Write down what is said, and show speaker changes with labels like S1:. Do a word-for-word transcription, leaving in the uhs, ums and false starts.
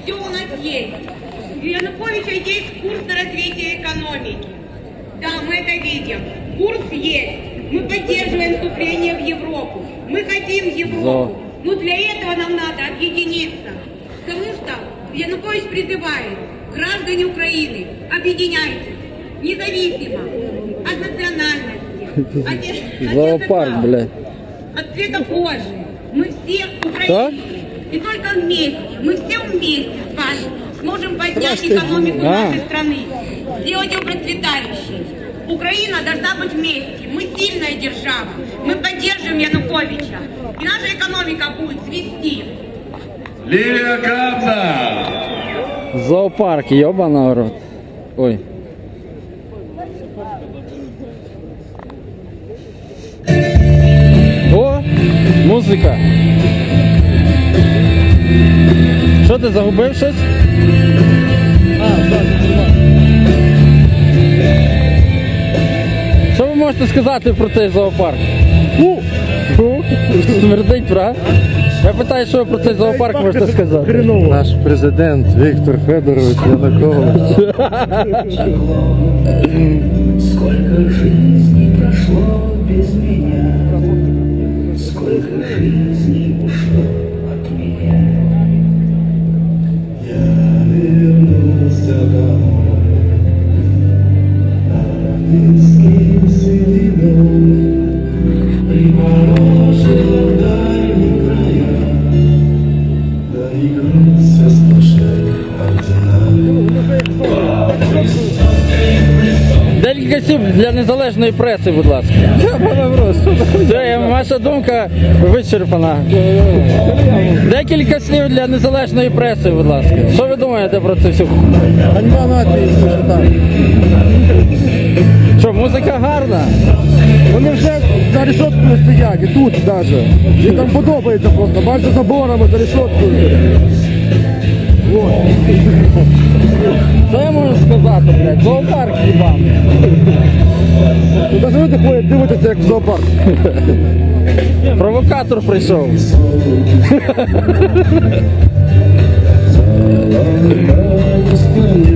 S1: все у нас есть. У Януковича есть курс на развитие экономики. Да, мы это видим. Курс есть. Мы поддерживаем вступление в Европу. Мы хотим Европу. Но для этого нам надо объединиться. Потому что Янукович призывает граждане Украины, объединяйтесь, независимо от национальности, от, от
S2: Зоопарк, блядь.
S1: от цвета кожи. Мы все украинцы. И только вместе, мы все вместе с вами сможем поднять экономику нашей страны, сделать ее процветающей. Украина должна быть вместе. Мы сильная держава. Мы поддерживаем Януковича. И наша экономика будет цвести.
S3: Лилия Капна!
S2: Зоопарк, ёбаный рот. Ой. О, музика. Що ти загубив щось? А, так, що ви можете сказати про цей зоопарк? Фу! Фу! Смердить, правда? Я питаю, що ви про цей зоопарк можете сказати?
S4: Наш президент Віктор Федорович Янукович.
S5: Сколько жизней прошло без меня, сколько жизней ушло от меня. Я вернулся домой, на близкие седины, приморожил в дальние края, доигрался с душой ордена.
S2: Декілька слів для незалежної преси, будь ласка. Це ваша думка вичерпана. Декілька слів для незалежної преси, будь ласка. Що ви думаєте про це все?
S4: Ганьба нації, що там.
S2: Що, музика гарна?
S4: Вони вже за решеткою стоять, і тут навіть. Їм там подобається просто, бачите, заборами, за решеткою. Вот.
S2: Що я можу сказати, блядь? Зоопарк хіба?
S4: Ну, навіть люди ходять, дивитися, як в зоопарк.
S2: Провокатор прийшов.
S5: Стою